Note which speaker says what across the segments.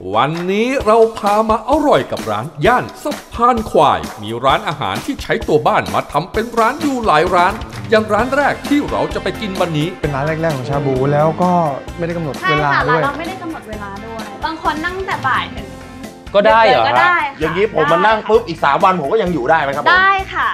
Speaker 1: วันนี้เราพามาอร่อยกับร้านย่านสะพานควายมีร้านอาหารที่ใช้ตัวบ้านมาทำเป็นร้านอยู่หลายร้านอย่างร้านแรกที่เราจะไปกินวันนี้
Speaker 2: เป็นร้านแรกๆของชาบูแล้วก็ไม่ได้กำหนดเวลาด้วย
Speaker 3: เราไม่ได้กำหนดเวลาด้วยบางคนนั่งแต่บ่ายถึง
Speaker 4: ก็ได้เหรอ
Speaker 3: ก็ได้
Speaker 5: อย่างนี้ผมมานั่งปุ๊บอีก3 วันผมก็ยังอยู่ได้ไหมครับ
Speaker 3: ได้ค่ะ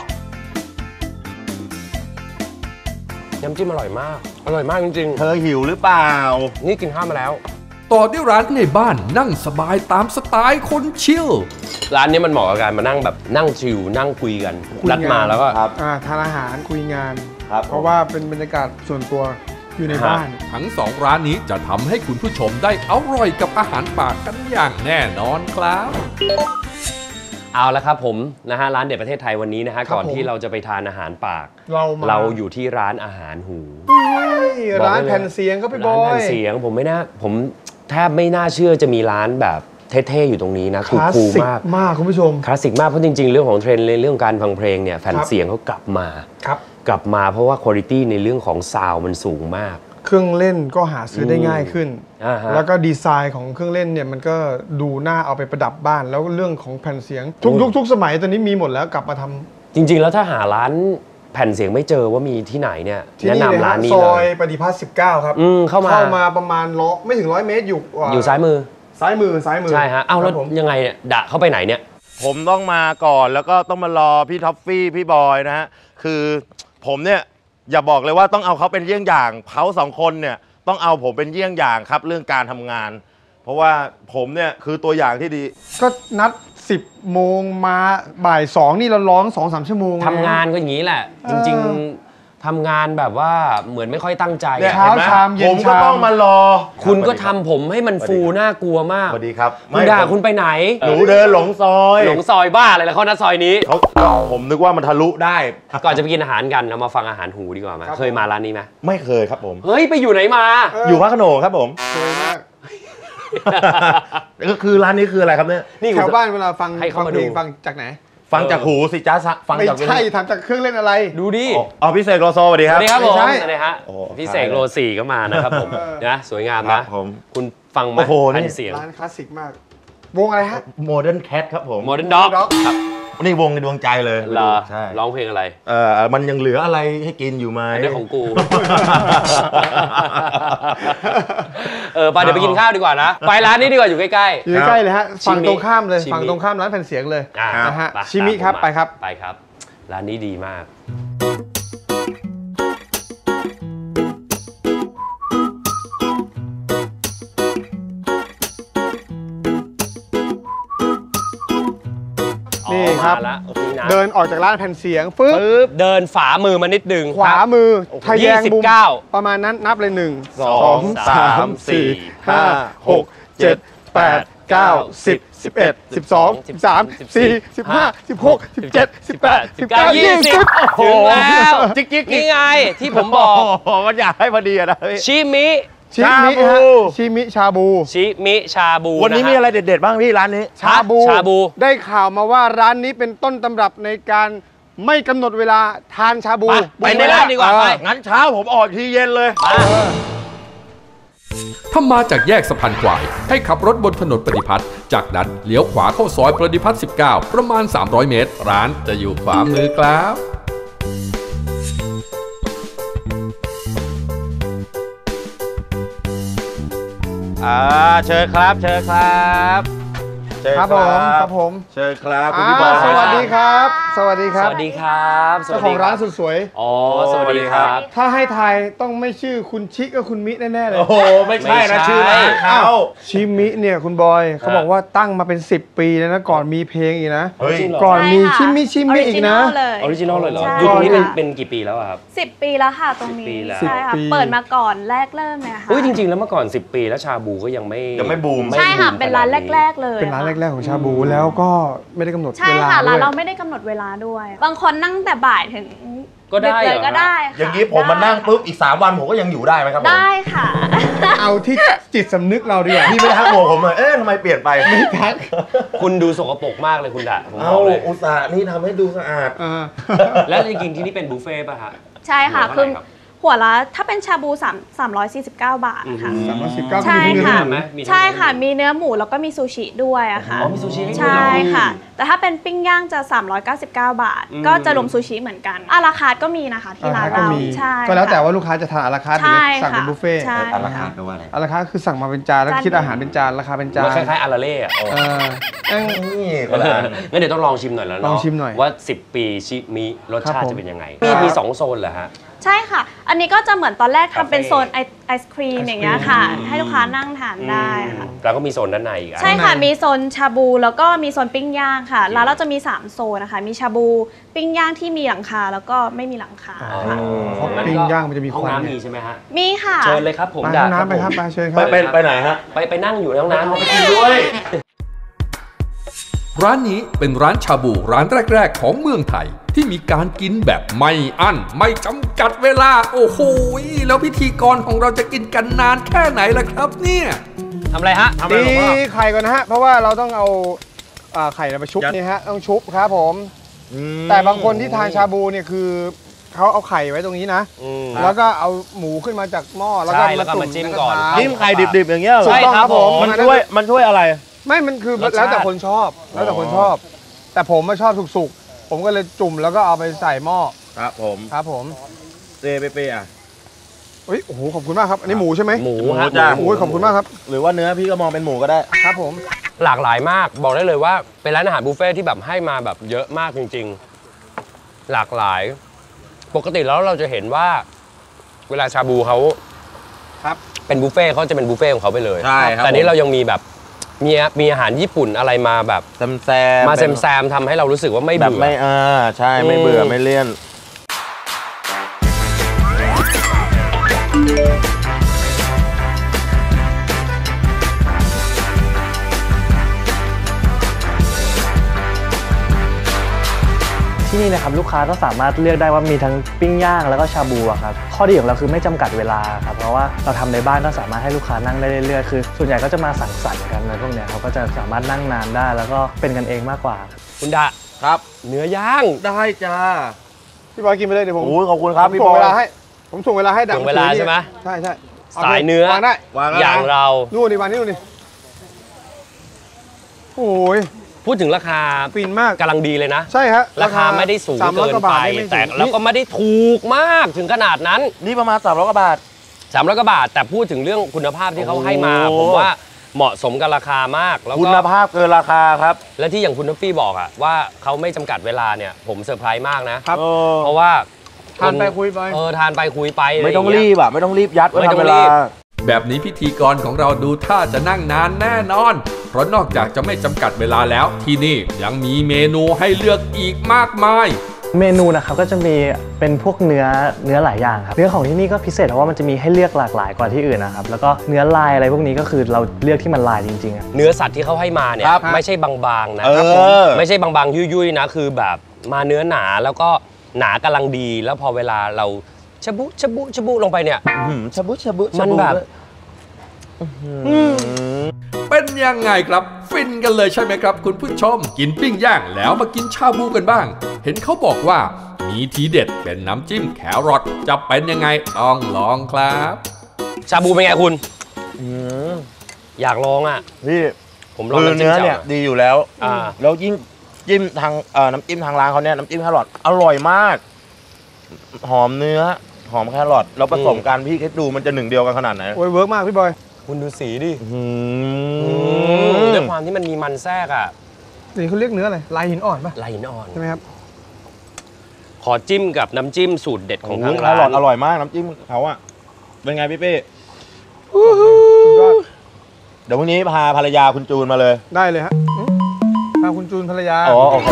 Speaker 4: น้ำจิ้มอร่อยมากจริงๆ
Speaker 5: เธอหิวหรือเปล่า
Speaker 4: นี่กินข้าวมาแล้ว
Speaker 1: ต่อด้วยร้านในบ้านนั่งสบายตามสไตล์คนชิล
Speaker 4: ร้านนี้มันเหมาะกับการมานั่งแบบนั่งชิลนั่งคุยกันนัดมาแล้วก็
Speaker 2: ทานอาหารคุยงานเพราะว่าเป็นบรรยากาศส่วนตัวอยู่ในบ้าน
Speaker 1: ทั้ง2ร้านนี้จะทำให้คุณผู้ชมได้อร่อยกับอาหารปากกันอย่างแน่นอนครับ
Speaker 4: เอาละครับผมนะฮะร้านเด็ดประเทศไทยวันนี้นะฮะก่อนที่เราจะไปทานอาหารปากเราอยู่ที่ร้านอาหารหู
Speaker 2: ร้านแผ่นเสียงครับพี่บอย
Speaker 4: ร้านแผ่นเสียงผมแทบไม่น่าเชื่อจะมีร้านแบบเท่ๆอยู่ตรงนี้นะ
Speaker 2: คูลมากคุณผู้ชม
Speaker 4: คลาสสิกมากเพราะจริงๆเรื่องของเทรนด์ในเรื่องการฟังเพลงเนี่ยแผ่นเสียงเขากลับมาเพราะว่าคุณภาพในเรื่องของซาวด์มันสูงมาก
Speaker 2: เครื่องเล่นก็หาซื้อได้ง่ายขึ้นแล้วก็ดีไซน์ของเครื่องเล่นเนี่ยมันก็ดูน่าเอาไปประดับบ้านแล้วเรื่องของแผ่นเสียงทุกยุคทุกสมัยตอนนี้มีหมดแล้วกลับมาทำ
Speaker 4: จริงๆแล้วถ้าหาร้านแผ่นเสียงไม่เจอว่ามีที่ไหนเนี่ยแนะนำร้านนี้เลย
Speaker 2: ซอยปฏิพัฒน์19ครับเข้ามาประมาณไม่ถึง100 เมตร
Speaker 4: อยู่ซ้ายมือ
Speaker 2: ใช่
Speaker 4: ฮะเอ้าแล้วยังไงเนี่ยดะเข้าไปไหนเนี่ย
Speaker 5: ผมต้องมาก่อนแล้วก็ต้องมารอพี่ท็อฟฟี่พี่บอยนะฮะคือผมเนี่ยอย่าบอกเลยว่าต้องเอาเขาเป็นเยี่ยงอย่างเขา2 คนเนี่ยต้องเอาผมเป็นเยี่ยงอย่างครับเรื่องการทำงานเพราะว่าผมเนี่ยคือตัวอย่างที่ดี
Speaker 2: ก็นัด10 โมงมาบ่าย 2นี่เราร้อง 2-3 ชั่วโมง
Speaker 4: ทำงานก็อย่างนี้แหละจริงๆทำงานแบบว่าเหมือนไม่ค่อยตั้งใจ
Speaker 2: เช้าชามเย็น
Speaker 5: ผมก็ต้องมารอ
Speaker 4: คุณก็ทำผมให้มันฟูน่ากลัวมาก
Speaker 5: สวัสดีครับ
Speaker 4: คุณด่าคุณไปไหน
Speaker 5: หนูเดินหลงซอย
Speaker 4: บ้าอะไรแล้วเขานัดซอยนี้
Speaker 5: ผมนึกว่ามันทะลุได้
Speaker 4: ก่อนจะไปกินอาหากันเรามาฟังอาหารหูดีกว่าไหมเคยมาร้านนี้ไหม
Speaker 5: ไม่เคยครับผม
Speaker 4: เฮ้ยไปอยู่ไหนมา
Speaker 5: อยู่พระโขนงครับผมเคยมากก็คือร้านนี้คืออะไรครับเนี่ย
Speaker 2: นี่แถวบ้านเวลาฟังเพลงฟังจากไหน
Speaker 5: ฟังจากหูสิจ้าฟังจาก
Speaker 2: ไม่ใช่ทำจากเครื่องเล่นอะไร
Speaker 4: ดูดิ
Speaker 5: พี่เสกโลโซสวัสดีครับ
Speaker 4: สวัสดีครับผมนะฮะพี่เสกโล4ก็มานะครับผมนะสวยงามนะคุณฟังไหม
Speaker 2: เสียงร้านคลาสสิกมากวงอะไรฮะ
Speaker 5: Modern Cat ครับผม
Speaker 4: Modern Dog
Speaker 5: ครับนี่วงในดวงใจเลย
Speaker 4: ใช่ร้องเพลงอะไร
Speaker 5: มันยังเหลืออะไรให้กินอยู่ไหม
Speaker 4: เรื่องของกูไปเดี๋ยวไปกินข้าวดีกว่านะไปร้านนี้ดีกว่าอยู่ใกล้
Speaker 2: ๆอยู่ใกล้เลยฮะฝั่งตรงข้ามเลยฝั่งตรงข้ามร้านแผ่นเสียงเลยนะฮะชิมิครับไป
Speaker 4: ครับร้านนี้ดีมาก
Speaker 2: นี่ครับเดินออกจากร้านแผ่นเสียงปึ๊บ
Speaker 4: เดินฝามือมานิดนึง
Speaker 2: ขวามือทะแยงมุมประมาณนั้นนับเลย1 2 3 4 5 6 7 8 9 10 11 12 13 14 15 16 17 18 19 20
Speaker 4: ถึงแล้วนี่ไงที่ผมบอก
Speaker 5: มันอยากให้พอดีนะ
Speaker 4: ชิมิ
Speaker 2: ชาบู
Speaker 5: วันนี้มีอะไรเด็ดๆบ้างพี่ร้านนี้
Speaker 2: ชาบูได้ข่าวมาว่าร้านนี้เป็นต้นตำรับในการไม่กำหนดเวลาทานชาบู
Speaker 4: ไปในร้านดีกว่าไป
Speaker 5: งั้นเช้าผมออกทีเย็นเลย
Speaker 1: ถ้ามาจากแยกสะพานควายให้ขับรถบนถนนปฏิพัฒน์จากนั้นเลี้ยวขวาเข้าซอยปฏิพัฒน์19ประมาณ300 เมตรร้านจะอยู่ขวามือครับ
Speaker 5: เชิญครับเชิญครับ
Speaker 2: ครับผม
Speaker 5: เชิญครับคุณพี่บอล
Speaker 2: สวัสดีครับสวัสดีครับเจ้าของร้านสุดสวย
Speaker 4: สวัสดีครับ
Speaker 2: ถ้าให้ทายต้องไม่ชื่อคุณชิกับคุณมิแน่ๆเลย
Speaker 5: โอ้โหไม่ใช่นะชื่อร้านเขา
Speaker 2: ชิมิเนี่ยคุณบอยเขาบอกว่าตั้งมาเป็น10 ปีแล้วนะก่อนมีเพลงอีกนะ
Speaker 3: ก่
Speaker 2: อนมีชิมิอีกนะ
Speaker 4: ออริจินอลเลยเหรออยู่ตรงนี้เป็นกี่ปีแล้วครับ
Speaker 3: 10 ปีแล้วค่ะตรงนี้ใช่ค่ะเปิดมาก่อนแรกเริ่มเลยค่ะ
Speaker 4: จริงๆแล้วเมื่อก่อน10 ปีแล้วชาบูก็ยังไม่
Speaker 5: บูม
Speaker 3: ใช่ค่ะเป็นร้านแรกๆเลย
Speaker 2: เป็นร้านแรกๆของชาบูแล้วก็ไม่ได้กำหนดเวลา
Speaker 3: ใช่ค่ะร้านเราไม่ได้กำหนดเวลาด้วยบางคนนั่งแต่บ่ายถึง
Speaker 4: ก็ได้
Speaker 3: ก็ได้
Speaker 5: อย่างนี้ผมมานั่งปุ๊บอีก3 วันผมก็ยังอยู่ได้ไหมครับ
Speaker 3: ได้ค่ะ
Speaker 2: เอาที่จิตสำนึกเราดี
Speaker 5: พี่ไม่ทักผมเลยทำไมเปลี่ยนไป
Speaker 2: ไม่ทัก
Speaker 4: คุณดูสกปรกมากเลยคุณด่าผม
Speaker 5: บอกเลยอุตส่าห์นี่ทำให้ดูสะอาด
Speaker 4: แล้วจริงๆที่นี่เป็นบุฟเฟ่ป่ะฮะ
Speaker 3: ใช่ค่ะคือหัหัวละถ้าเป็นชาบู349 บาทค่ะ
Speaker 2: 319
Speaker 3: ใช่ค่ะ
Speaker 4: มี
Speaker 3: ใช่ค่ะมีเนื้อหมูแล้วก็มีซูชิด้วยอะค่ะ
Speaker 4: มีซูชิให้ด้วย
Speaker 3: ใช่ค่ะ แต่ถ้าเป็นปิ้งย่างจะ399 บาทก็จะรวมซูชิเหมือนกันอาราคาร์ทก็มีนะคะที่ร้านเราใช่
Speaker 2: ก็แล้วแต่ว่าลูกค้าจะทานอาราคาร์ทหรือสั่งเป็นบุฟเฟ่ต์
Speaker 5: อาราคาร์ทแปลว่าอะไร
Speaker 2: อาราคาร์ทคือสั่งมาเป็นจานแล้วคิดอาหารเป็นจานราคาเป็นจาน
Speaker 4: คล้ายๆอาราเล่อะ
Speaker 5: นี่ก็ได้
Speaker 4: งั้นเดี๋ยวต้องลองชิมหน่อยแล้วเนาะ
Speaker 2: ลองชิมหน่อย
Speaker 4: ว่า10 ปีชิมิรสชาติจะเป็นยังไงมี2 โซนเหรอฮะ
Speaker 3: ใช่ค่ะอันนี้ก็จะเหมือนตอนแรกทำเป็นโซนไอศครีมอย่างเงี้ยค่ะให้ลูกค้านั่งทานได้ค่ะ
Speaker 4: แล้วก็มีโซนด้านในอีก
Speaker 3: ใช่ค่ะมีโซนชาบูแล้วก็มีโซนปิ้งย่างค่ะร้านเราจะมี3โซนนะคะมีชาบูปิ้งย่างที่มีหลังคาแล้วก็ไม่มีหลังคาค่ะ
Speaker 2: ปิ้งย่างมันจะมีควัน
Speaker 4: น้ำมีใช่ไหมฮะ
Speaker 3: มีค่ะ
Speaker 4: เชิญเลยครับผม
Speaker 2: ไปน้ำไปครับไปเชิญครับ
Speaker 5: ไปไหนฮะ
Speaker 4: ไปนั่งอยู่ในห้องน้ำไปกินด้วย
Speaker 1: ร้านนี้เป็นร้านชาบูร้านแรกๆของเมืองไทยที่มีการกินแบบไม่อั้นไม่จำกัดเวลาโอ้โหแล้วพิธีกรของเราจะกินกันนานแค่ไหนล่ะครับเนี่ย
Speaker 4: ทำอะไรฮะ
Speaker 2: ตีไข่ก่อนนะฮะเพราะว่าเราต้องเอาไข่ไปชุบนี่ฮะต้องชุบครับผมแต่บางคนที่ทานชาบูเนี่ยคือเขาเอาไข่ไว้ตรงนี้นะแล้วก็เอาหมูขึ้นมาจากหม้อแล้วก็
Speaker 4: มาจิ้มก่อน
Speaker 5: จิ้มไข่ดิบๆอย่างเงี้ย
Speaker 2: ใช่ครับผม
Speaker 5: มันช่วยอะไร
Speaker 2: ไม่มันคือแล้วแต่คนชอบแล้วแต่คนชอบแต่ผมไม่ชอบสุกๆผมก็เลยจุ่มแล้วก็เอาไปใส่หม้อ
Speaker 5: ครับผมเปอ่ะ
Speaker 2: โอ้โหขอบคุณมากครับอันนี้หมูใช่ไหม
Speaker 4: หมู
Speaker 2: จ้าโอ้ยขอบคุณมากครับ
Speaker 5: หรือว่าเนื้อพี่ก็มองเป็นหมูก็ได้
Speaker 2: ครับผม
Speaker 4: หลากหลายมากบอกได้เลยว่าเป็นร้านอาหารบุฟเฟ่ที่แบบให้มาแบบเยอะมากจริงๆหลากหลายปกติแล้วเราจะเห็นว่าเวลาชาบูเขาเป็นบุฟเฟ่เขาจะเป็นบุฟเฟ่ของเขาไปเลย
Speaker 5: ใช่ครับ
Speaker 4: แต่นี้เรายังมีแบบมีอาหารญี่ปุ่นอะไรมาแบบ
Speaker 5: แซม
Speaker 4: ทำให้เรารู้สึกว่าไม่เบื่อ
Speaker 5: ไม่ใช่ไม่เบื่อไม่เลี่ยน
Speaker 6: ที่นี่นะครับลูกค้าก็สามารถเลือกได้ว่ามีทั้งปิ้งย่างแล้วก็ชาบูครับข้อดีของเราคือไม่จำกัดเวลาครับเพราะว่าเราทำในบ้านก็สามารถให้ลูกค้านั่งได้เรื่อยๆคือส่วนใหญ่ก็จะมาสังสรรค์กันอะไรพวกนี้เขาก็จะสามารถนั่งนานได้แล้วก็เป็นกันเองมากกว่า
Speaker 4: คุณดะ
Speaker 5: ครับ
Speaker 4: เนื้อย่าง
Speaker 5: ได้จ้า
Speaker 2: พี่บอยกินไปเลยเดี๋ยวผม
Speaker 5: ขอบคุณครับพี่
Speaker 2: บอยส่งเวลาให้ดัง
Speaker 4: เวลาใช่ไหม
Speaker 2: ใช่
Speaker 4: สายเนื้อ
Speaker 2: วางได้
Speaker 4: อย่างเรา
Speaker 2: นู่นนี่โอ้ย
Speaker 4: พูดถึงราคา
Speaker 2: ฟินมาก
Speaker 4: กำลังดีเลยนะ
Speaker 2: ใช่ฮะ
Speaker 4: ราคาไม่ได้สูงเกินไปแต่แล้วก็ไม่ได้ถูกมากถึงขนาดนั้น
Speaker 5: นี่ประมาณ300 กว่าบาท
Speaker 4: 300 กว่าบาทแต่พูดถึงเรื่องคุณภาพที่เขาให้มาผมว่าเหมาะสมกับราคามากแล้วก็
Speaker 5: คุณภาพเกินราคาครับ
Speaker 4: และที่อย่างคุณทัฟฟี่บอกอะว่าเขาไม่จำกัดเวลาเนี่ยผมเซอร์ไพรส์มากนะครับเพราะว่า
Speaker 2: ทานไปคุยไป
Speaker 4: ทานไปคุยไป
Speaker 5: ไม่ต้องรีบไม่ต้องรีบยัด
Speaker 4: ไม่ต้องรีบ
Speaker 1: แบบนี้พิธีกรของเราดูท่าจะนั่งนานแน่นอนเพราะนอกจากจะไม่จำกัดเวลาแล้วที่นี่ยังมีเมนูให้เลือกอีกมากมาย
Speaker 6: เมนูนะครับก็จะมีเป็นพวกเนื้อหลายอย่างครับเนื้อของที่นี่ก็พิเศษเพราะว่ามันจะมีให้เลือกหลากหลายกว่าที่อื่นนะครับแล้วก็เนื้อลายอะไรพวกนี้ก็คือเราเลือกที่มันลายจริงๆ
Speaker 4: เนื้อสัตว์ที่เขาให้มาเนี่ยไม่ใช่บางๆนะครับไม่ใช่บางๆยุ่ยๆนะคือแบบมาเนื้อหนาแล้วก็หนากำลังดีแล้วพอเวลาเราชะบุลงไปเนี่ย
Speaker 5: ชะบุ
Speaker 4: มันแบบ
Speaker 1: เป็นยังไงครับฟินกันเลยใช่ไหมครับคุณผู้ชมกินปิ้งย่างแล้วมากินชาบูกันบ้างเห็นเขาบอกว่ามีทีเด็ดเป็นน้ำจิ้มแครอทจะเป็นยังไงต้องลองครับ
Speaker 4: ชาบูเป็นไงคุณอยากลองอ่ะ
Speaker 5: พี่
Speaker 4: ผมลอง
Speaker 5: เนื้อเนี่ยดีอยู่แล้วแล้วยิ่งจิ้มทางน้ำจิ้มทางร้านเขาเนี่ยน้ำจิ้มแครอทอร่อยมากหอมเนื้อหอมแครอทแล้วผสมกันพี่คิดดูมันจะ1 เดียวกันขนาดไหน
Speaker 2: โอ้ยเวิร์กมากพี่บอย
Speaker 4: คุณดูสีดิด้วยความที่มันมีมันแทรกอ่ะ
Speaker 2: นี่เขาเรียกเนื้ออะไรลายหินอ่อนป่ะ
Speaker 4: ลายหินอ่อน
Speaker 2: ใช่ไหมครับ
Speaker 4: ขอจิ้มกับน้ำจิ้มสูตรเด็ดของทางร้าน
Speaker 5: อร่อยมากน้ำจิ้มเขาอ่ะเป็นไงพี่เป้เดี๋ยวพรุ่งนี้พาภรรยาคุณจูนมาเลย
Speaker 2: ได้เลยฮะพาคุณจูนภรรยา
Speaker 5: โอเค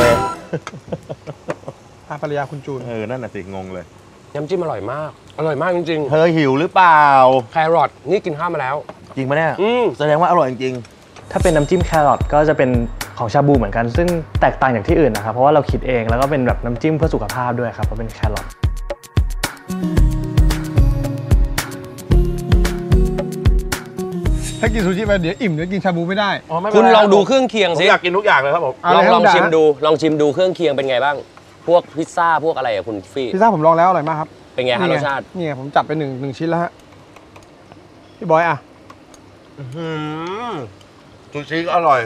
Speaker 2: พาภรรยาคุณจูน
Speaker 5: นั่นน่ะสิงงเลย
Speaker 4: น้ำจิ้มอร่อยมากจริง
Speaker 5: ๆเธอหิวหรือเปล่า
Speaker 4: แครอทนี่กินข้าวมาแล้ว
Speaker 5: จริงปะเนี่ยแสดงว่าอร่อยจริง
Speaker 6: ถ้าเป็นน้ำจิ้มแครอทก็จะเป็นของชาบูเหมือนกันซึ่งแตกต่างจากที่อื่นนะครับเพราะว่าเราคิดเองแล้วก็เป็นแบบน้ำจิ้มเพื่อสุขภาพด้วยครับเพราะเป็นแครอท
Speaker 2: ถ้ากินซูชิไปเดี๋ยวอิ่มเดี๋ยวกินชาบูไม่ได้
Speaker 4: คุณลองดูเครื่องเคียงสิ
Speaker 5: อยากกินทุกอย่างเลยครับผม
Speaker 4: ลองชิมดูเครื่องเคียงเป็นไงบ้างพวกพิซซ่าพวกอะไรอะคุณฟี่
Speaker 2: พิซซ่าผมลองแล้วอร่อยมากครับ
Speaker 4: เป็นไงฮะรสชาติ
Speaker 2: นี่ไงผมจับไปหนึ่งชิ้นแล้วฮะพี่บอยอ่ะ
Speaker 5: ซูชิก็อร่อย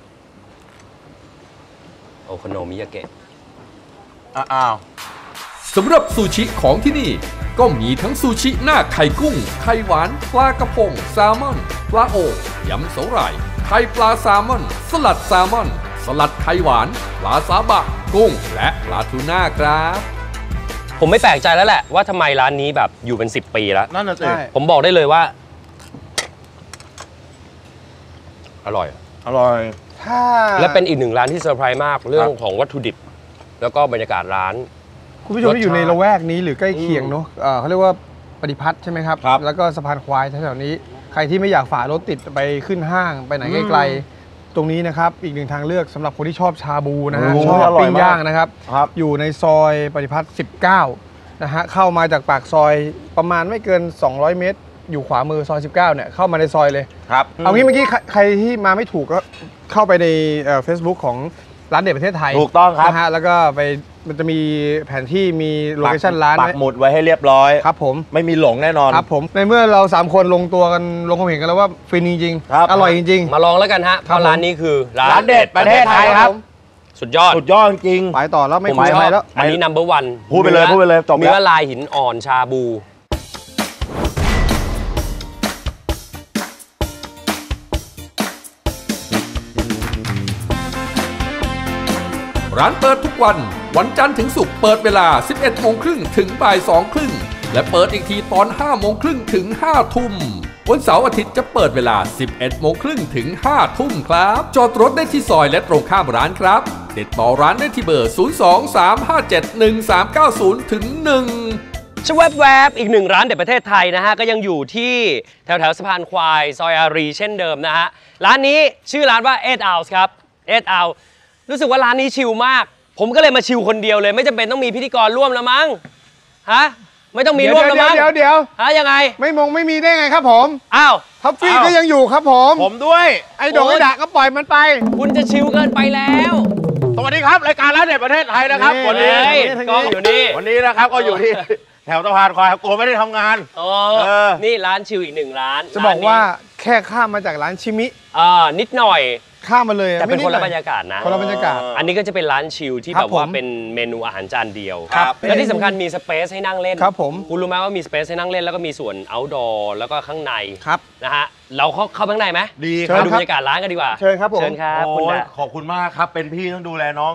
Speaker 4: โอโคโนมิยาเกะ
Speaker 5: อ้าว
Speaker 1: สำหรับซูชิของที่นี่ก็มีทั้งซูชิหน้าไข่กุ้งไข่หวานปลากระพงแซลมอนปลาโอยำสาหร่ายไข่ปลาแซลมอนสลัดแซลมอนสลัดไข่หวานปลาซาบะกุ้งและปลาทูน่าครับ
Speaker 4: ผมไม่แปลกใจแล้วแหละว่าทำไมร้านนี้แบบอยู่เป็น10 ปีแล้ว
Speaker 5: นั่นน่ะสิ
Speaker 4: ผมบอกได้เลยว่าอร่อยและเป็นอีกหนึ่งร้านที่เซอร์ไพรส์มากเรื่องของวัตถุดิบแล้วก็บรรยากาศร้าน
Speaker 2: คุณผู้ชมที่อยู่ในละแวกนี้หรือใกล้เคียงเนาะเขาเรียกว่าปฏิพัฒน์ใช่ไหมครับแล้วก็สะพานควายแถวๆนี้ใครที่ไม่อยากฝ่ารถติดไปขึ้นห้างไปไหนไกลๆตรงนี้นะครับอีกหนึ่งทางเลือกสำหรับคนที่ชอบชาบูนะฮะชอบปิ้งย่างนะครับอยู่ในซอยปฏิพัฒน์19นะฮะเข้ามาจากปากซอยประมาณไม่เกิน200 เมตรอยู่ขวามือซอย19เนี่ยเข้ามาในซอยเลย
Speaker 5: ครับ
Speaker 2: เอางี้เมื่อกี้ใครที่มาไม่ถูกก็เข้าไปใน Facebook ของร้านเด็ดประเทศไทย
Speaker 5: ถูกต้องครับ
Speaker 2: นะฮะแล้วก็ไปมันจะมีแผนที่มีโลเคชั่นร้าน
Speaker 5: ปักหมุดไว้ให้เรียบร้อย
Speaker 2: ครับผม
Speaker 5: ไม่มีหลงแน่นอน
Speaker 2: ครับผมในเมื่อเรา3คนลงตัวกันลงความเห็นกันแล้วว่าฟินจริงๆอร่อยจริง
Speaker 4: ๆมาลองแล้วกันฮะเพราะร้านนี้คือ
Speaker 5: ร้านเด็ดประเทศไทยครับ
Speaker 4: สุดยอด
Speaker 5: จริง
Speaker 2: ไปต่อแล้วไม่คุยอะไรแล้ว
Speaker 4: อันนี้ number 1
Speaker 5: พูดไปเลยจบ
Speaker 4: เนื้อลายหินอ่อนชาบู
Speaker 1: ร้านเปิดทุกวันจันทร์ถึงศุกร์เปิดเวลา 11 โมงครึ่งถึงบ่าย 2 ครึ่งและเปิดอีกทีตอน 5 โมงครึ่งถึง 5 ทุ่มวันเสาร์อาทิตย์จะเปิดเวลา 11 โมงครึ่งถึง 5 ทุ่มครับจอดรถได้ที่ซอยและตรงข้ามร้านครับติดต่อร้านได้ที่เบอร์ 023571390ถึง1
Speaker 4: ชแวบอีกหนึ่งร้านเด็ดประเทศไทยนะฮะก็ยังอยู่ที่แถวสะพานควายซอยอารีเช่นเดิมนะฮะร้านนี้ชื่อร้านว่า8 Ounce ครับ8 Ounceรู้สึกว่าร้านนี้ชิลมากผมก็เลยมาชิลคนเดียวเลยไม่จำเป็นต้องมีพิธีกรร่วมแล้วมั้งฮะไม่ต้องมีร่วมแล้วมั้ง
Speaker 2: เดี๋ยว
Speaker 4: ฮะยังไง
Speaker 2: ไม่มีได้ไงครับผม
Speaker 4: อ้าว
Speaker 2: ท็อฟฟี่ก็ยังอยู่ครับผม
Speaker 5: ด้วย
Speaker 2: ไอ้ดอกไอ้ด่าก็ปล่อยมันไป
Speaker 4: คุณจะชิลเกินไปแล้ว
Speaker 5: สวัสดีครับรายการร้านเด็ดประเทศไทยนะครับวันนี้
Speaker 4: กล้องอยู่นี่
Speaker 5: วันนี้นะครับก็อยู่ที่แถวสะพานควายกลัวไม่ได้ทำงาน
Speaker 4: นี่ร้านชิลอีกหนึ่งร้าน
Speaker 2: จะบอกว่าแค่ข้ามมาจากร้านชิมิ
Speaker 4: นิดหน่อย
Speaker 2: ข้ามมาเลย
Speaker 4: แต่เป็นคนละบรรยากาศนะ
Speaker 2: คนละบรรยากาศ
Speaker 4: อันนี้ก็จะเป็นร้านชิลที่แบบว่าเป็นเมนูอาหารจานเดียวและที่สำคัญมีสเปซให้นั่งเล่น
Speaker 2: ครับผม
Speaker 4: คุณรู้ไหมว่ามีสเปซให้นั่งเล่นแล้วก็มีส่วน outdoor แล้วก็ข้างใน
Speaker 2: ครับ
Speaker 4: นะฮะเราเข้าข้างในไหม
Speaker 5: ดี
Speaker 4: ครับดูบรรยากาศร้านกันดีกว่า
Speaker 2: เชิญครับผม
Speaker 4: เชิญครับ
Speaker 5: ขอบคุณมากครับเป็นพี่ต้องดูแลน้อง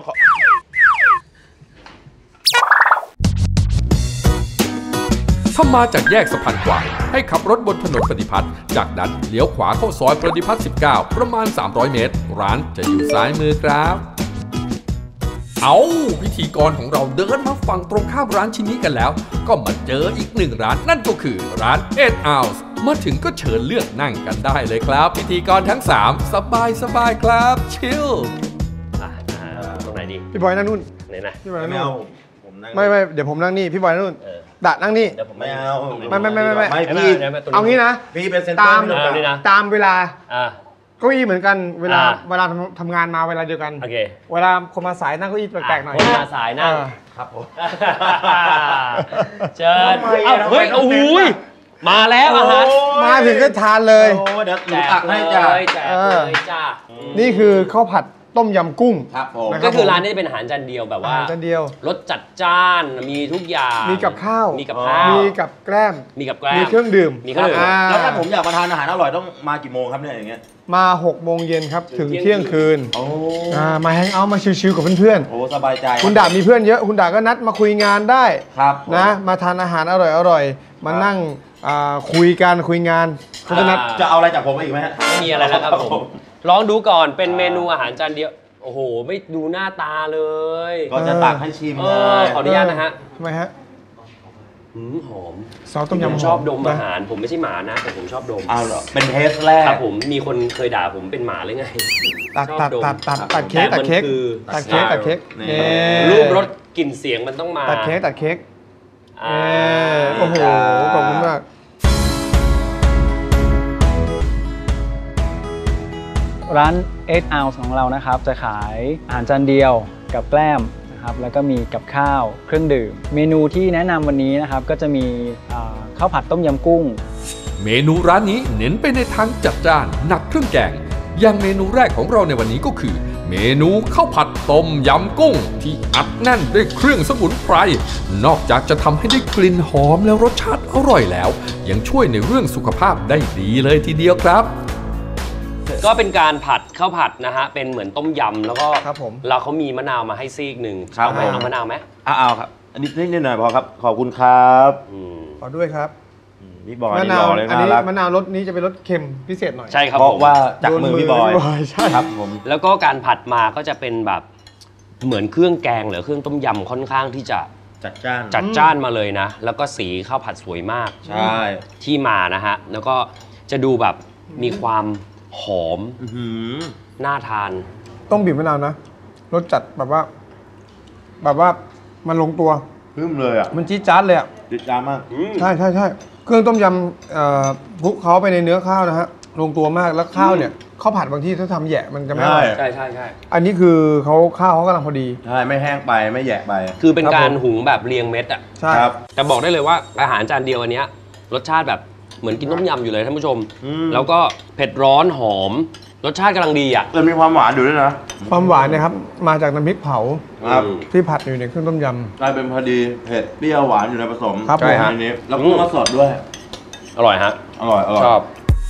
Speaker 1: ถ้ามาจากแยกสะพานควายให้ขับรถบนถนนปฏิพัฒน์จากนั้นเลี้ยวขวาเข้าซอยปฏิพัฒน์19ประมาณ300 เมตรร้านจะอยู่ซ้ายมือครับพิธีกรของเราเดินมาฝั่งตรงข้ามร้านชิ้นนี้กันแล้วก็มาเจออีกหนึ่งร้านนั่นก็คือร้าน8 Ounce มาถึงก็เชิญเลือกนั่งกันได้เลยครับพิธีกรทั้ง3สบายครับชิล
Speaker 4: ตรงไหนดี
Speaker 2: พี่บอยนั่งนู่น
Speaker 4: ไหนนะ
Speaker 2: พี่บอยนั่งนู่นไม่เดี๋ยวผมนั่งนี่พี่บอยนั่งนู่นดะนั่งนี่
Speaker 5: ไม่เอา
Speaker 2: ไม่
Speaker 5: พี่
Speaker 2: เอางี้นะ
Speaker 5: พี่เป็นเซนเตอร์
Speaker 2: ตามเวลาเก้าอี้เหมือนกันเวลาทำงานมาเวลาเดียวกันเวลาคนมาสายนั่งเก้าอี้แปลกๆหน่อย
Speaker 4: คนมาสายนั่ง
Speaker 5: ครับผม
Speaker 4: เชิญเฮ้ยโอ้โหมาแล้วอาหาร
Speaker 2: มาถึงก็ทานเลย
Speaker 5: เดี๋ยวตักให้จ้า
Speaker 2: นี่คือข้าวผัดต้มยำกุ้ง
Speaker 5: ครับผม
Speaker 4: ก็คือร้านนี้เป็นอาหารจานเดียวแบบว่า
Speaker 2: จานเดียว
Speaker 4: รสจัดจ้านมีทุกอย่าง
Speaker 2: มีกับข้าว
Speaker 4: มีกับ
Speaker 2: แกล้ม
Speaker 4: มี
Speaker 2: เครื่องดื่ม
Speaker 5: แล้วถ้าผมอยากมาทานอาหารอร่อยต้องมากี่โมงครับเนี่ยอย่างเงี้ย
Speaker 2: มา6 โมงเย็นครับถึงเที่ยงคืนมาแฮงเอาท์มาชิลๆกับเพื่อน
Speaker 5: ๆสบายใจ
Speaker 2: คุณดามีเพื่อนเยอะคุณดาก็นัดมาคุยงานได้
Speaker 5: ครับ
Speaker 2: นะมาทานอาหารอร่อยมานั่งคุยงานเขาจะนัด
Speaker 5: จะเอาอะไรจากผมอีกไหม
Speaker 4: ไม่มีอะไรแล้วครับผมลองดูก่อนเป็นเมนูอาหารจานเดียวโอ้โหไม่ดูหน้าตาเลย
Speaker 5: ก็จะตักให้ชิม
Speaker 4: ขออนุญาตนะฮะ
Speaker 2: ทำไมฮะ
Speaker 4: หอม
Speaker 2: ซอสต้มยำ
Speaker 4: ชอบดมอาหารผมไม่ใช่หมานะแต่ผมชอบดม
Speaker 5: เหรอเป็นเทสแรก
Speaker 4: ครับผมมีคนเคยด่าผมเป็นหมาเลยไง
Speaker 2: ตัดเค้ก
Speaker 4: รูปรสกลิ่นเสียงมันต้องมา
Speaker 2: ตัดเค้กโอ้โหขอบคุณมาก
Speaker 6: ร้าน8 Ounce ของเรานะครับจะขายอาหารจานเดียวกับแกล้มนะครับแล้วก็มีกับข้าวเครื่องดื่มเมนูที่แนะนำวันนี้นะครับก็จะมีข้าวผัดต้มยำกุ้ง
Speaker 1: เมนูร้านนี้เน้นไปในทางจัดจ้านหนักเครื่องแกงอย่างเมนูแรกของเราในวันนี้ก็คือเมนูข้าวผัดต้มยำกุ้งที่อัดแน่นด้วยเครื่องสมุนไพรนอกจากจะทำให้ได้กลิ่นหอมแล้วรสชาติอร่อยแล้วยังช่วยในเรื่องสุขภาพได้ดีเลยทีเดียวครับ
Speaker 4: ก็เป็นการผัดข้าวผัดนะฮะเป็นเหมือนต้มยำแล้วก็เราเขามีมะนาวมาให้ซีกหนึ่งเอามะนาวไหม
Speaker 5: เอาครับอันนี้นิดหน่อยพอครับขอบคุณครับ
Speaker 2: ขอด้วยครับ
Speaker 5: พี่บอย
Speaker 2: มะนาวอันนี้มะนาวรสนี้จะเป็นรสเค็มพิเศษหน่อย
Speaker 4: ใช่ครับ
Speaker 5: เพราะว่าจากมือพี่บอย
Speaker 2: ใช่
Speaker 5: ครับผม
Speaker 4: แล้วก็การผัดมาก็จะเป็นแบบเหมือนเครื่องแกงหรือเครื่องต้มยำค่อนข้างที่จะ
Speaker 5: จัด
Speaker 4: จ้านมาเลยนะแล้วก็สีข้าวผัดสวยมาก
Speaker 5: ใช่
Speaker 4: ที่มานะฮะแล้วก็จะดูแบบมีความหอมน่าทาน
Speaker 2: ต้องบีบมะนาวนะรสจัดแบบว่ามันลงตัว
Speaker 5: พึ่มเลยอ่ะ
Speaker 2: มันจี๊ดจ๊าดเลยอ่ะ
Speaker 5: จี๊ดจ๊าดมาก
Speaker 2: ใช่เครื่องต้มยำคลุกเขาไปในเนื้อข้าวนะฮะลงตัวมากแล้วข้าวเนี่ยข้าวผัดบางที่ถ้าทำแยะมันจะไม่อร่อย
Speaker 4: ใช่
Speaker 2: อันนี้คือข้าวเขากำลังพอดี
Speaker 5: ใช่ไม่แห้งไปไม่แยะไป
Speaker 4: คือเป็นการหุงแบบเรียงเม็ดอ่ะ
Speaker 2: ใช่ครับ
Speaker 4: แต่บอกได้เลยว่าอาหารจานเดียวอันเนี้ยรสชาติแบบเหมือนกินต้มยำอยู่เลยท่านผู้ชมแล้วก็เผ็ดร้อนหอมรสชาติกำลังดีอ่ะ
Speaker 5: มีความหวานอยู่ด้วยนะ
Speaker 2: ความหวานเนี่ยครับมาจากน้ำพริกเผาที่ผัดอยู่ในเครื่องต้มย
Speaker 5: ำกลายเป็นพอดีเผ็ดเปรี้ยวหวานอยู่ในผสม
Speaker 2: ครับ
Speaker 5: ในนี้แล้วกุ้งก็สดด้วย
Speaker 4: อร่อยฮะ
Speaker 5: อร่อย
Speaker 4: ชอบ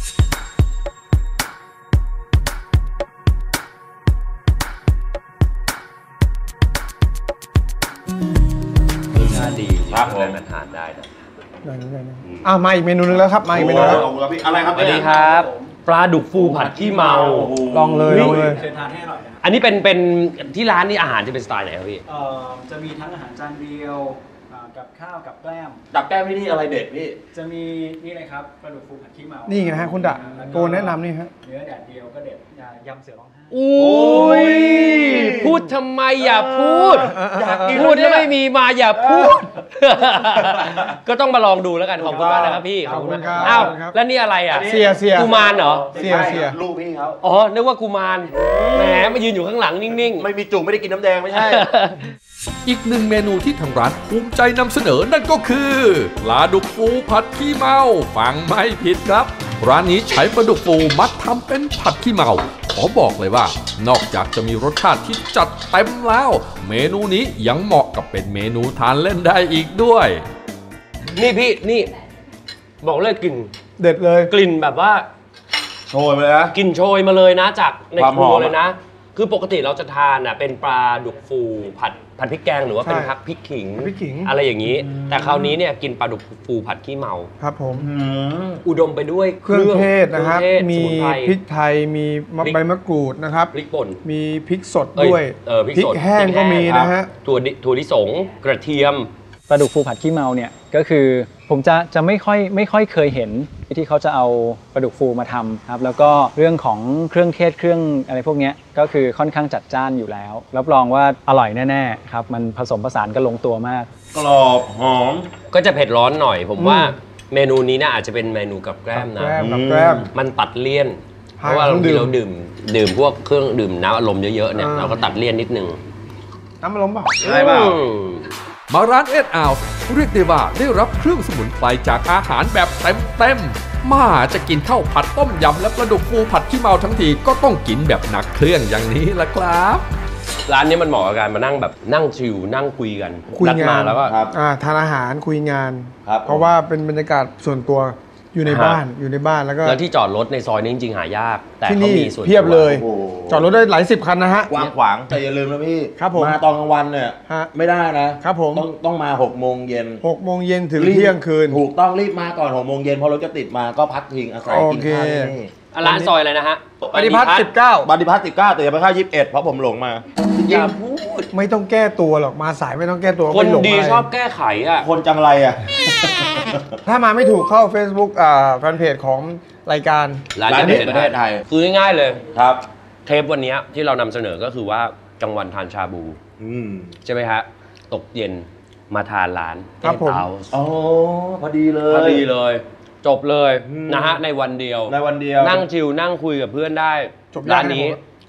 Speaker 4: รสชาติดีครับผมทานได้นะ
Speaker 2: มาอีกเมนูนึงแล้วครับมาอีกเมนูแล้ว
Speaker 5: อะไรครับ
Speaker 4: สวัสดีครับปลาดุกฟูผัดขี้เมา
Speaker 2: ลองเลย
Speaker 6: เชิญทานให้อร่อย
Speaker 4: อันนี้เป็นที่ร้านนี่อาหารจะเป็นสไตล์ไหนครับพี่
Speaker 6: จะมีทั้งอาหารจานเดียวกับข้าวกับแกล้ม
Speaker 5: กับแกล้มนี่อะไรเด็ดพี่
Speaker 6: จะมีนี่เลยครับปลาดุกฟูผัดขี้เมา
Speaker 2: นี่ไงฮะคุณดะโกแนะนำนี่ฮะ
Speaker 6: เนื้อแดดเดียวก็เด็ดยำเสือร้องไห้
Speaker 4: อุ้ยพูดทำไมอย่าพูดพูดแล้วไม่มีมาอย่าพูดก็ต้องมาลองดูแล้วกันขอบคุณมากนะครับพี่
Speaker 2: ขอบคุณครับ
Speaker 4: อ้าวแล้วนี่อะไรอ่ะ
Speaker 2: เสีย
Speaker 4: กุมารเหรอ
Speaker 2: เสีย
Speaker 5: ลูกพี่เขา
Speaker 4: อ๋อนึกว่ากุมารแหมมายืนอยู่ข้างหลังนิ่งๆ
Speaker 5: ไม่มีจุ่มไม่ได้กินน้ำแดงไม่ใช่
Speaker 1: อีกหนึ่งเมนูที่ทางร้านภูมิใจนำเสนอนั่นก็คือปลาดุกฟูผัดขี้เมาฟังไม่ผิดครับร้านนี้ใช้ปลาดุกฟูมัดทำเป็นผัดขี้เมาขอบอกเลยว่านอกจากจะมีรสชาติที่จัดเต็มแล้วเมนูนี้ยังเหมาะกับเป็นเมนูทานเล่นได้อีกด้วย
Speaker 4: นี่พี่นี่บอกเลยกลิ่น
Speaker 2: เด็ดเลย
Speaker 4: กลิ่นแบบว่า
Speaker 5: โชยมาเลยนะ
Speaker 4: กลิ่นโชยมาเลยนะจากในครัวเลยนะคือปกติเราจะทานเป็นปลาดุกฟูผัดพริกแกงหรือว่าเป็นพักพริกขิงอะไรอย่างนี้แต่คราวนี้เนี่ยกินปลาดุกฟูผัดขี้เมา
Speaker 2: ครับผม
Speaker 4: อุดมไปด้วย
Speaker 2: เครื่องเทศนะครับมีพริกไทยมีใบมะกรูดนะครับ
Speaker 4: พริกป่น
Speaker 2: มีพริกสดด้วยพริกแห้งก็มีนะฮะ
Speaker 4: ถั่วลิสงกระเทียม
Speaker 6: ปลาดุกฟูผัดขี้เมาเนี่ยก็คือผมจะไม่ค่อยเคยเห็นที่เขาจะเอาปลาดุกฟูมาทำครับแล้วก็เรื่องของเครื่องเทศเครื่องอะไรพวกนี้ก็คือค่อนข้างจัดจ้านอยู่แล้วรับรองว่าอร่อยแน่ๆครับมันผสมผสานกันลงตัวมาก
Speaker 5: กรอบหอม
Speaker 4: ก็จะเผ็ดร้อนหน่อยผมว่าเมนูนี้นะอาจจะเป็นเมนูกับแกล้มนะมันตัดเลี่ยนเพราะว่าเราดื่มพวกเครื่องดื่มน้ำอารมณ์เยอะๆเนี่ยเราก็ตัดเลี่ยนนิดนึง
Speaker 2: น้ำอารมณ์เปล่า
Speaker 5: ใช่เปล่า
Speaker 1: มาร้านเอ็ดอาวเรียกได้ว่าได้รับเครื่องสมุนไพรจากอาหารแบบเต็มมาจะกินข้าวผัดต้มยำและปลาดุกฟูผัดขี้เมาทั้งทีก็ต้องกินแบบหนักเครื่องอย่างนี้ละครับ
Speaker 4: ร้านนี้มันเหมาะกับการมานั่งแบบนั่งชิลนั่งคุยกัน
Speaker 2: นัด
Speaker 4: มาแล้วก็
Speaker 2: ทานอาหารคุยงานเพราะว่าเป็นบรรยากาศส่วนตัวอยู่ในบ้านแล้วก็
Speaker 4: ที่จอดรถในซอยนี้จริงๆหายากแต่
Speaker 2: เขามีส่วนเพียบเลยจอดรถได้หลาย10 คันนะฮะ
Speaker 5: กว้างขวางแต่อย่าลืมนะพี่
Speaker 2: ครับผม
Speaker 5: มาตอนกลางวันเนี่ยไม่ได้นะครับ
Speaker 2: ผม
Speaker 5: ต้องมา6 โมงเย็น
Speaker 2: 6 โมงเย็นถึงเที่ยงคืน
Speaker 5: ถูกต้องรีบมาก่อน6 โมงเย็นเพราะรถจะติดมาก็พักพิงอาศัยกินข้าวนี่
Speaker 4: ร้านซอยอะไรนะฮะ
Speaker 2: ปฏิพัฒน์19
Speaker 5: ปฏิพัฒน์19แต่อย่าไปเข้า21เพราะผมหลงมา
Speaker 4: อย่าพูด
Speaker 2: ไม่ต้องแก้ตัวหรอกมาสายไม่ต้องแก้ตัว
Speaker 4: คนดีชอบแก้ไขอ่ะ
Speaker 5: คนจังไรอ่ะ
Speaker 2: ถ้ามาไม่ถูกเข้า Facebook แฟนเพจของรายการ
Speaker 4: ร้านเด็ดประเทศไทยคือง่ายๆเลย
Speaker 5: ครับ
Speaker 4: เทปวันนี้ที่เรานำเสนอก็คือว่ากลางวันทานชาบูใช่ไหมฮะตกเย็นมาทานร้าน
Speaker 2: เต้า
Speaker 5: อ๋อพอดี
Speaker 4: เลยจบเลยนะฮะในวันเดียว
Speaker 5: นั่
Speaker 4: งชิลนั่งคุยกับเพื่อนได้ร้านนี้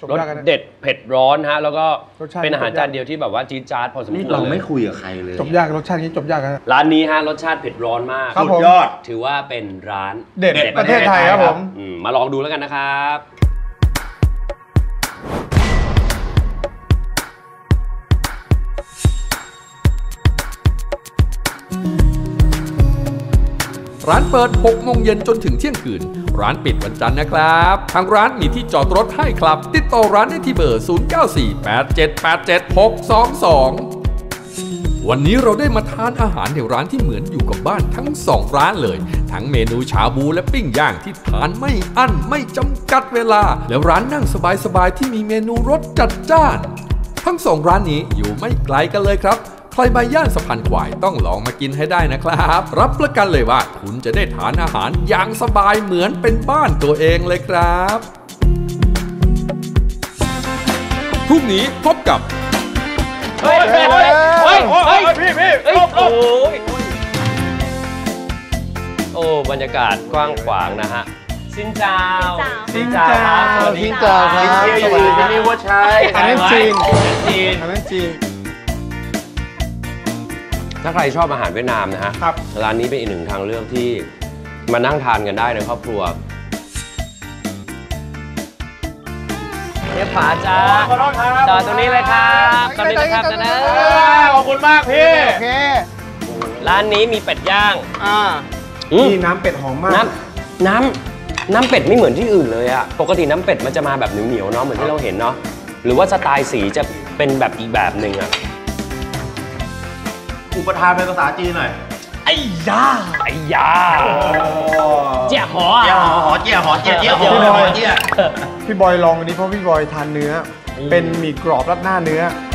Speaker 4: รสเด็ดเผ็ดร้อนฮะแล้วก็
Speaker 2: รสชาติ
Speaker 4: เป็นอาหารจานเดียวที่แบบว่าจี๊ดจ๊าดพอสมควร
Speaker 5: นี่เราไม่คุยกับใครเลย
Speaker 2: จบยากรสชาตินี้จบยากนะ
Speaker 4: ร้านนี้ฮะรสชาติเผ็ดร้อนมาก
Speaker 2: ครับ
Speaker 5: สุดยอด
Speaker 4: ถือว่าเป็นร้าน
Speaker 2: เด็ดประเทศไทยครับผม
Speaker 4: มาลองดูแล้วกันนะครับ
Speaker 1: ร้านเปิด 6 โมงเย็นจนถึงเที่ยงคืน ร้านปิดวันจันทร์นะครับ ทางร้านมีที่จอดรถให้ครับ ติดต่อร้านได้ที่เบอร์ 0948787622 วันนี้เราได้มาทานอาหารในร้านที่เหมือนอยู่กับบ้านทั้ง 2 ร้านเลย ทั้งเมนูชาบูและปิ้งย่างที่ทานไม่อั้นไม่จำกัดเวลา แล้วร้านนั่งสบายๆที่มีเมนูรสจัดจ้าน ทั้ง 2 ร้านนี้อยู่ไม่ไกลกันเลยครับ ใครมาย่านสะพานควายต้องลองมากินให้ได้นะครับ รับประกันเลยว่าคุณจะได้ทานอาหารอย่างสบายเหมือนเป็นบ้านตัวเองเลยครับพรุ่งนี้พบกับ
Speaker 4: เฮ้ยพี่โอ้บรรยากาศกว้างขวางนะฮะซินเจ้า
Speaker 2: ซินเจ้า
Speaker 4: สวัสดี
Speaker 2: ซินเจ้าครับ
Speaker 4: สวัสดีครับ
Speaker 5: นี่ว่าใช่
Speaker 2: อันนั้นจีน
Speaker 4: จีน
Speaker 2: อันนั้นจีน
Speaker 4: ถ้าใครชอบอาหารเวียดนามนะฮะ
Speaker 2: ครับ
Speaker 4: ร้านนี้เป็นอีกหนึ่งทางเลือกที่มานั่งทานกันได้ในครอบครัวเรียบฝาจ้า
Speaker 5: ขอโทษครับ
Speaker 4: จอดตรงนี้เลยครับตรงนี้นะครับนะ
Speaker 5: ขอบคุณมากพี่
Speaker 2: โอเค
Speaker 4: ร้านนี้มีเป็ดย่าง
Speaker 2: นี่น้ำเป็ดหอมมาก
Speaker 4: น้ำเป็ดไม่เหมือนที่อื่นเลยอะปกติน้ำเป็ดมันจะมาแบบเหนียวๆเนาะเหมือนที่เราเห็นเนาะหรือว่าสไตล์สีจะเป็นแบบอีกแบบหนึ่งอะ
Speaker 5: อุปทานเป็นภาษาจีนหน่อย
Speaker 4: ไอ้ยาเจี๊ยหอ
Speaker 5: เจี๊ยหอเจี๊ยหอเจี๊ยเจี๊ยหอ
Speaker 2: พี่บอย
Speaker 5: เจี๊ย
Speaker 2: พี่บอยลองอันนี้เพราะพี่บอยทานเนื้อ เป็นหมี่กรอบราดหน้าเนื้อ